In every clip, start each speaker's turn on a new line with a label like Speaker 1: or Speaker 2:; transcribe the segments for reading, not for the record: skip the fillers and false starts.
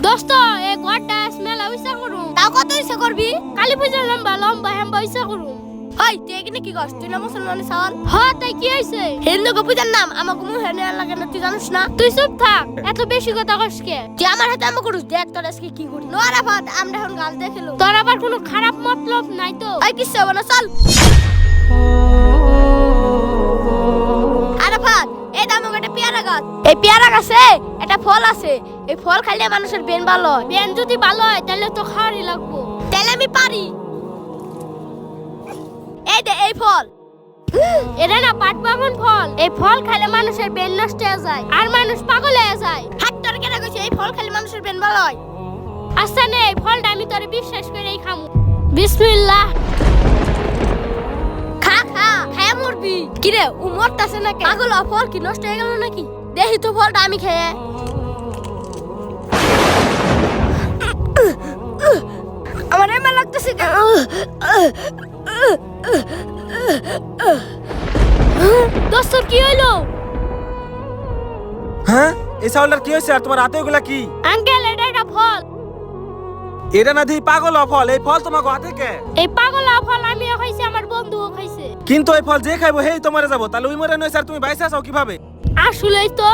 Speaker 1: দোস্ত এই ঘরটা স্মেল হইছে করু
Speaker 2: তাও কত ইচ্ছা করবি?
Speaker 1: কালী পূজা লম্বা লম্বা হেম্বা হইছে করু
Speaker 2: হই তুই এখানে কি করছ? তুই না মুসলমানের সাওয়াল?
Speaker 1: হ্যাঁ তাই কি হইছে
Speaker 2: হিন্দু পূজার নাম আমাকে মুখে নেওয়ার লাগে না, তুই জানিস না?
Speaker 1: তুই চুপ থাক এত বেশি কথা কস কে
Speaker 2: তুই আমার হাতে আমাকে করুস, দেখ তোর আজকে কি করি। নো আরাফাত, আমরা এখন গাল দেখিলো।
Speaker 1: তোর আবার কোনো খারাপ মতলব নাই তো?
Speaker 2: ওই কিচ্ছু হবে না, চল। আরাফাত, এই দামক একটা পেয়ারা গাছ। এই পেয়ারা গাছে একটা ফল আছে, এই ফল খাইলে মানুষের বেন ভালো হয়।
Speaker 1: বেন যদি ভালো হয় তাহলে তো খাওয়ারই লাগবো।
Speaker 2: তাহলে আমি পারি। এই দে এই ফল।
Speaker 1: এটা না পাট বামন ফল, এই ফল খাইলে মানুষের বেন নষ্ট হয়ে যায় আর মানুষ পাগল হয়ে যায়।
Speaker 2: হাত তোর কেনা কইছে এই ফল খাইলে মানুষের বেন ভালো হয়?
Speaker 1: আচ্ছা নে এই ফলটা আমি তোরে বিশ্বাস করেই খামু। বিসমিল্লাহ।
Speaker 2: খা খা, খায়া মরবি। কি রে ও মরতাছে নাকি? পাগল হ, ফল কি নষ্ট হয়ে গেল নাকি? দেখি তো ফলটা আমি খেয়ে। আমার এমন লাগতেছে।
Speaker 1: দোস্ত কি হইলো?
Speaker 3: হ্যাঁ, এই চাউলটার কি হয়েছে? আর তোমার হাতে ওগুলা কি?
Speaker 1: আঙ্কেল এটা একটা ফল।
Speaker 3: এটা না দিই পাগল ফল, এই ফল তোমাকে হাতে কে?
Speaker 1: এই পাগলা ফল আমিও খাইছি, আমার বন্ধুও খাইছে।
Speaker 3: কিন্তু এই ফল যে খাইবো হেই তো মরে যাবো, তাহলে ওই মরে নয় স্যার, তুমি বাইসে আছো কিভাবে?
Speaker 1: আসলেই তো।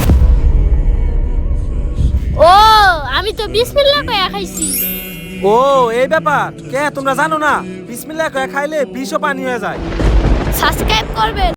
Speaker 1: ও আমি তো বিসমিল্লাহ কইয়া খাইছি।
Speaker 3: ও এই ব্যাপার, কে তোমরা জানো না? বিসমিল্লাহ কয়ে খাইলে বিষও পানি হয়ে যায়।
Speaker 2: সাবস্ক্রাইব করবেন।